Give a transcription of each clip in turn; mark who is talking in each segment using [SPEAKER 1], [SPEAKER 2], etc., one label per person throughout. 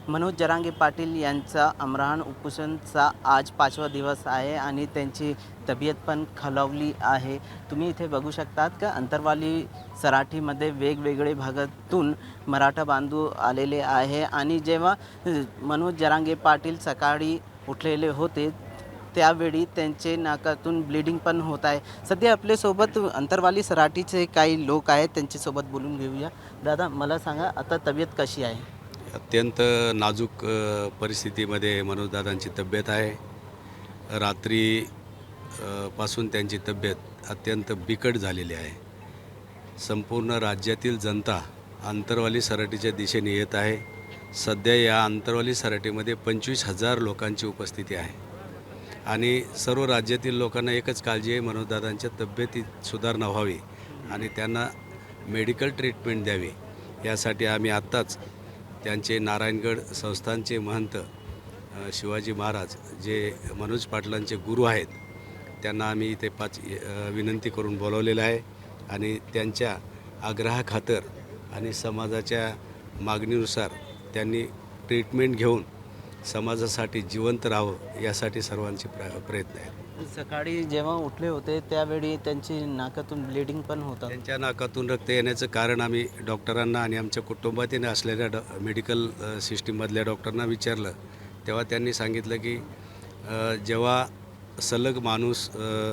[SPEAKER 1] मनोज जरांगे पाटील यांचा आमरण उपोषणचा आज 5वा दिवस आहे आणि त्यांची तब्येत पण खालावली आहे। तुम्ही इथे बघू शकतात का अंतरवाली सराठीमध्ये वेगवेगळे भागातून मराठा बांधव आलेले आहे आणि जेव्हा मनोज जरांगे पाटील सकाळी उठलेले होते त्यावेळी त्यांचे नाकातून ब्लीडिंग पण होत आहे। सध्या आपल्यासोबत अंतरवाली सराठीचे काही लोक आहेत, त्यांच्यासोबत बोलून घेऊया। दादा, मला सांगा आता तब्येत कशी आहे?
[SPEAKER 2] अत्यंत नाजूक परिस्थितीमध्ये मनोजदादांची तब्येत आहे। रात्री पासून त्यांची तब्येत अत्यंत बिकट झालेली आहे। संपूर्ण राज्यातील जनता अंतरवाली सराटीच्या दिशेने येत आहे। सध्या या अंतरवाली सराटीमध्ये 25,000 लोकांची उपस्थिती आहे आणि सर्व राज्यातील लोकांना एकच काळजी आहे, मनोजदादांच्या तब्येतीत सुधारणा व्हावी आणि त्यांना मेडिकल ट्रीटमेंट द्यावी। यासाठी आम्ही आत्ताच त्यांचे नारायणगड संस्थानचे महंत शिवाजी महाराज जे मनोज पाटलांचे गुरु आहेत त्यांना आम्ही इथे विनंती करून बोलवलेलं आहे आणि त्यांच्या आग्रहाखातर आणि समाजाच्या मागणीनुसार त्यांनी ट्रीटमेंट घेऊन समाजासाठी जिवंत राहावं यासाठी सर्वांचे प्रयत्न आहेत।
[SPEAKER 1] सकाळी जेव्हा उठले होते त्यावेळी त्यांची नाकातून ब्लीडिंग पण होतं।
[SPEAKER 2] त्यांच्या नाकातून रक्त येण्याचं कारण आम्ही डॉक्टरांना आणि आमच्या कुटुंबातील असलेल्या मेडिकल सिस्टीममधल्या डॉक्टरांना विचारलं तेव्हा त्यांनी सांगितलं की जेव्हा सलग माणूस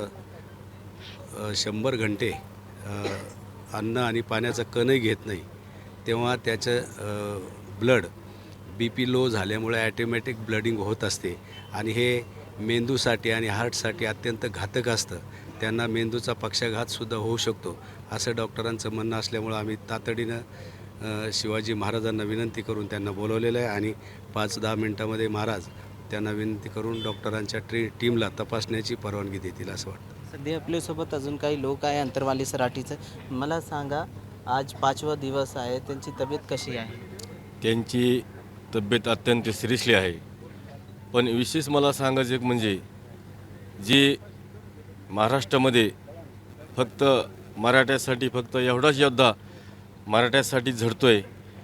[SPEAKER 2] 100 घंटे अन्न आणि पाण्याचा कणही घेत नाही तेव्हा त्याचं ब्लड BP लो झाल्यामुळे ॲटोमॅटिक ब्लडिंग होत असते आणि हे मेंदूसाठी आणि हार्टसाठी अत्यंत घातक असतं। त्यांना मेंदूचा पक्षाघातसुद्धा होऊ शकतो असं डॉक्टरांचं म्हणणं असल्यामुळं आम्ही तातडीनं शिवाजी महाराजांना विनंती करून त्यांना बोलवलेलं आहे आणि 5-10 मिनटामध्ये महाराज त्यांना विनंती करून डॉक्टरांच्या टीमला तपासण्याची परवानगी देतील असं वाटतं।
[SPEAKER 1] सध्या आपल्यासोबत अजून काही लोक आहे अंतरवाली सराठीचं। मला सांगा, आज 5वा दिवस आहे, त्यांची तब्येत कशी आहे?
[SPEAKER 3] त्यांची तब्येत अत्यंत सिरियसली आहे, पण विशेष मला सांगायचं एक म्हणजे जे महाराष्ट्रामध्ये फक्त मराठ्यासाठी फक्त एवढाच योद्धा मराठ्यासाठी झडतोय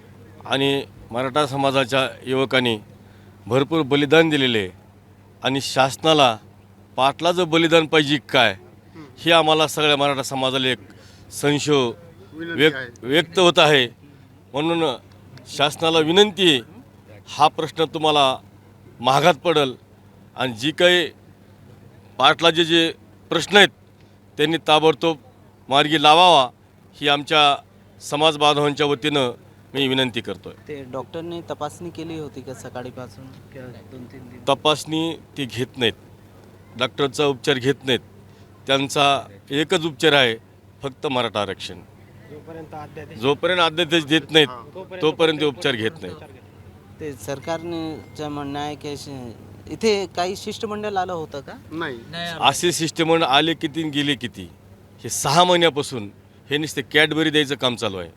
[SPEAKER 3] आणि मराठा समाजाच्या युवकांनी भरपूर बलिदान दिलेले आहे आणि शासनाला पाटलाचं बलिदान पाहिजे काय हे आम्हाला सगळ्या मराठा समाजाला एक संशय व्यक्त होत आहे। म्हणून शासनाला विनंती आहे, हा प्रश्न तुम्हाला महागात पडेल आणि जी काही पाटलाचे जे प्रश्न आहेत त्यांनी ताबडतोब मार्गी लावावा ही आमच्या समाज बांधवांच्या वतीनं मी विनंती करतोय।
[SPEAKER 1] ते डॉक्टरने तपासणी केली होती का सकाळीपासून? 2-3 दिवस
[SPEAKER 3] तपासणी ते घेत नाहीत, डॉक्टरचा उपचार घेत नाहीत। त्यांचा एकच उपचार आहे, फक्त मराठा आरक्षण। जोपर्यंत अध्यादेश देत नाहीत तोपर्यंत ते उपचार घेत नाहीत।
[SPEAKER 1] ते सरकारचं म्हणणं आहे की इथे काही शिष्टमंडळ आलं होतं का?
[SPEAKER 4] नाही।
[SPEAKER 3] असे शिष्टमंडळ आले किती गेले किती, हे 6 महिन्यापासून हे नुसते कॅडबरी द्यायचं काम चालू आहे।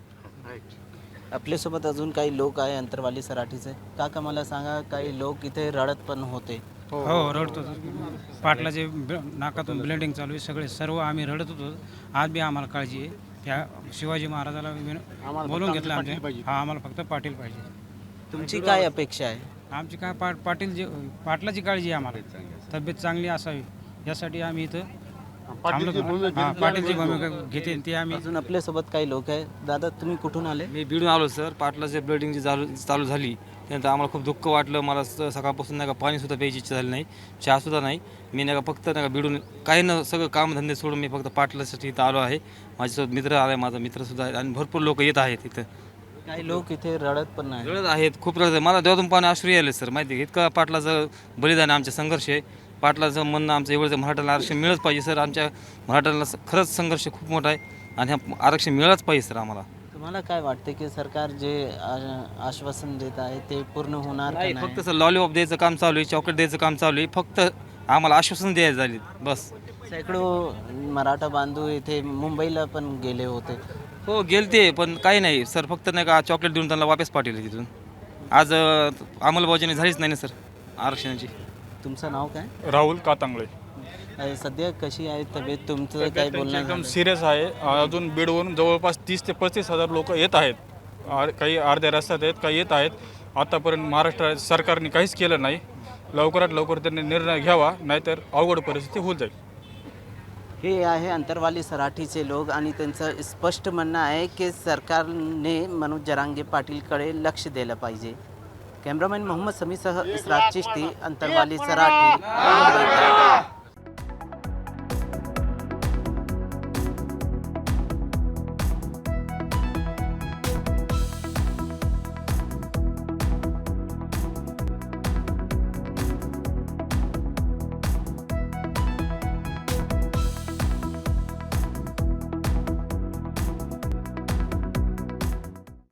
[SPEAKER 1] आपल्यासोबत अजून काही लोक आहे अंतरवाली सराठीचे। काका, मला सांगा, काही लोक इथे रडत पण होते।
[SPEAKER 5] हो, रडतो। पाटलाचे नाकातून ब्लिडिंग चालू आहे, सर्व आम्ही रडत होतो। आज बी आम्हाला काळजी आहे, त्या शिवाजी महाराजाला बोलून घेतलं हा, आम्हाला फक्त पाटील पाहिजे।
[SPEAKER 1] तुमची काय अपेक्षा आहे?
[SPEAKER 5] आमची काय पाटलाची काळजी आहे, आम्हाला तब्येत चांगली असावी यासाठी आम्ही इथं पाटीलची भूमिका घेते ते आम्ही।
[SPEAKER 1] अजून आपल्यासोबत काही लोक आहे। दादा, तुम्ही कुठून आले?
[SPEAKER 6] मी बीडून आलो सर। पाटलाची ब्लिडिंग जी चालू झाली त्यानंतर आम्हाला खूप दुःख वाटलं। मला सकाळपासून नाही का पाणीसुद्धा प्यायची इच्छा झाली नाही, चहासुद्धा नाही। मी नाही का फक्त नाही का बीडून काही न सगळं कामधंदे सोडून मी फक्त पाटलासाठी इथं आलो आहे। माझ्यासोबत मित्र आला आहे, माझा मित्रसुद्धा आहे आणि भरपूर लोक येत आहेत इथं।
[SPEAKER 1] काही लोक इथे रडत पण नाही,
[SPEAKER 6] रडत आहेत, खूप रडत आहे। मला देवातून पाणी अश्रू आले सर, माहिती आहे इतका पाटलाचं बलिदान आहे, आमचा संघर्ष आहे। पाटलाचं म्हणणं आमचं एवढं मराठ्याला आरक्षण मिळत पाहिजे सर। आमच्या मराठ्याला खरंच संघर्ष खूप मोठा आहे आणि ह्या आरक्षण मिळालंच पाहिजे सर आम्हाला।
[SPEAKER 1] तुम्हाला काय वाटते की सरकार जे आश्वासन देत आहे ते पूर्ण होणार का
[SPEAKER 6] नाही,
[SPEAKER 1] नाही?
[SPEAKER 6] फक्त सर लॉलीपॉप द्यायचं काम चालू आहे, चॉकलेट द्यायचं काम चालू आहे, फक्त आम्हाला आश्वासन द्यायचं झाली बस।
[SPEAKER 1] शेकडो मराठा बांधव इथे मुंबईला पण गेले होते।
[SPEAKER 6] हो, गेलते, पण काही नाही सर, फक्त नाही का चॉकलेट देऊन त्यांना वापस पाठवले तिथून। आज अंमलबजावणी झालीच नाही ना सर आरक्षणाची।
[SPEAKER 1] तुमचं नाव काय?
[SPEAKER 4] राहुल कातांगळे।
[SPEAKER 1] सध्या कशी आहे तब्येत? तुमचं काय बोलणं
[SPEAKER 4] एकदम
[SPEAKER 1] झालं?
[SPEAKER 4] सिरियस आहे। अजून बीडवरून जवळपास 30 ते 35 हजार लोक येत आहेत। काही अर्ध्या रस्त्यात आहेत, काही येत आहेत। आतापर्यंत महाराष्ट्र सरकारने काहीच केलं नाही. लवकरात लवकर त्यांनी निर्णय घ्यावा, नाहीतर अवघड परिस्थिती होऊन जाईल.
[SPEAKER 1] हे आहे अंतरवाली सराठीचे लोक आणि त्यांचं स्पष्ट म्हणणं आहे की सरकारने मनोज जरांगे पाटीलकडे लक्ष दिलं पाहिजे. कॅमेरामॅन मोहम्मद समीसह इस्रात चिश्ती, अंतरवाली सराठी.